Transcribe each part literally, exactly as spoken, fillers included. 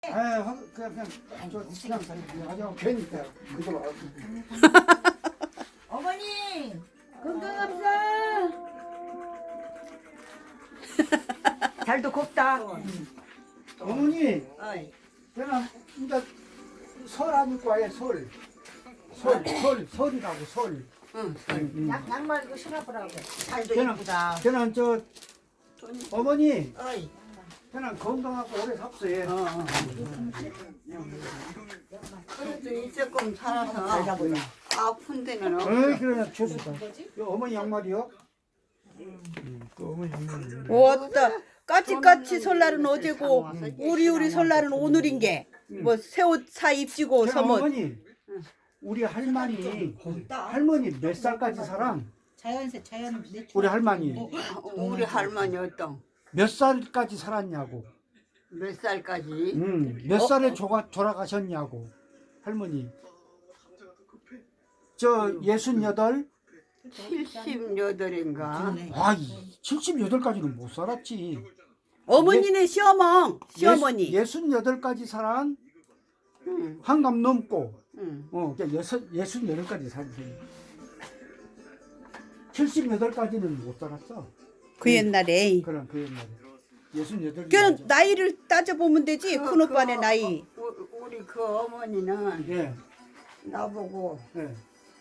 아, 그냥 그냥 저 그냥 가져가 괜히 그거 봐. 어머니 건강합시다. 잘도 곱다. 어머니, 어이. 저는 이제 설 하니까 아예 설, 설, 설, 설이라고 설. 응. 응, 양, 양말 이거 신어보라고. 잘도 저는 이쁘다. 저는 저 어머니, 어이. 저는 건강하고 오래 삽시요. 어, 어. 그래도 조금 살아서 살다 보자. 아픈 데는 없어. 어, 그래, 좋습니다. 이 어머니 양말이요? 음, 그 어머니 양말이. 왔다. 까치까치 설날은 어제고 우리 우리 설날은 오늘인 게 뭐 새 옷 사 입지고 저는 서뭐 어머니, 우리 할머니, 할머니 몇 살까지 살아? 자연세 자연 내 우리 할머니 우리 할머니 어떤 몇 살까지 살았냐고? 몇 살까지? 음, 몇 살에 조가, 돌아가셨냐고 할머니. 저 예순여덟. 칠십여덟인가? 아, 칠십여덟까지는 못 살았지. 어머니는 시어멍 시어머니 예순여덟까지 살아. 응, 한갑 넘고 응. 어, 그러니까 예순 예순여덟까지 살았어요. 칠십여덟까지는 못 살았어. 그 옛날에 그럼 그 옛날에 예순여덟. 그냥 나이를 따져 보면 되지 그, 큰 오빠네 그, 나이 우- 우리 그 어머니는 예, 나보고 예,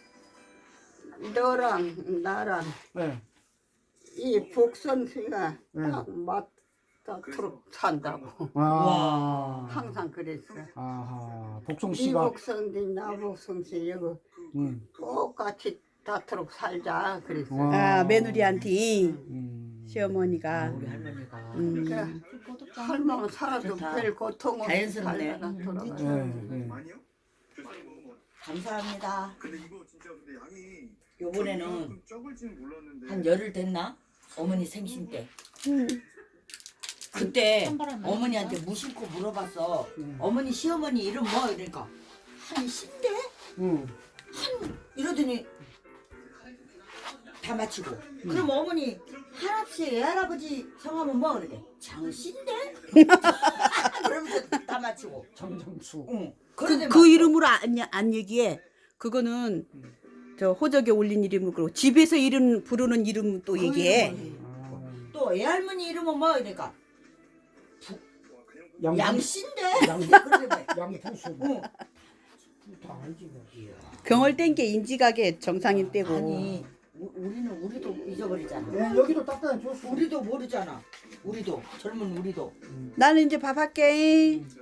너랑 나랑 예. 이 복선씨가 응. 딱 맞다도록 산다고 아, 항상 그랬어. 아하, 복송 이 씨가. 복선씨 나 복선씨 이거 음, 똑같이 닿도록 살자 그랬어. 와. 아 며느리한테 음. 시어머니가 우리 할머니가 음. 그러니까 할머니 살아도 좋다. 별 고통은 자연스럽네. 살다가 돌아가서. 예, 예. 감사합니다. 근데 이거 진짜 근데 양이 요번에는 좀 적을지는 몰랐는데 한 열흘 됐나? 어머니 생신 때. 음. 그때 어머니한테 무심코 물어봤어. 어머니 시어머니 이름 뭐? 이러니까 한 신대? 음. 이러더니 다 맞히고. 그럼 어머니 할아버지 외할아버지 성함은 뭐? 그러게 장신대? 그러면서 다 맞히고. 정정수. 응. 그, 그러더니 그 막 이름으로 안, 안 얘기해 그거는 저 호적에 올린 이름이고 집에서 이름 부르는 이름 또 그 얘기해 이름을 아, 또 외할머니 이름은 뭐? 이러니까 양, 양신대? 양, 그러더니 양부수. 응. 다 알지 뭐. 경월 땐 게 인지가게 정상인 때고 아니 우- 우리는 우리도 잊어버리잖아. 예, 여기도 딱딱한 줬어. 우리도 모르잖아. 우리도 젊은 우리도. 나는 이제 밥 할게. 음.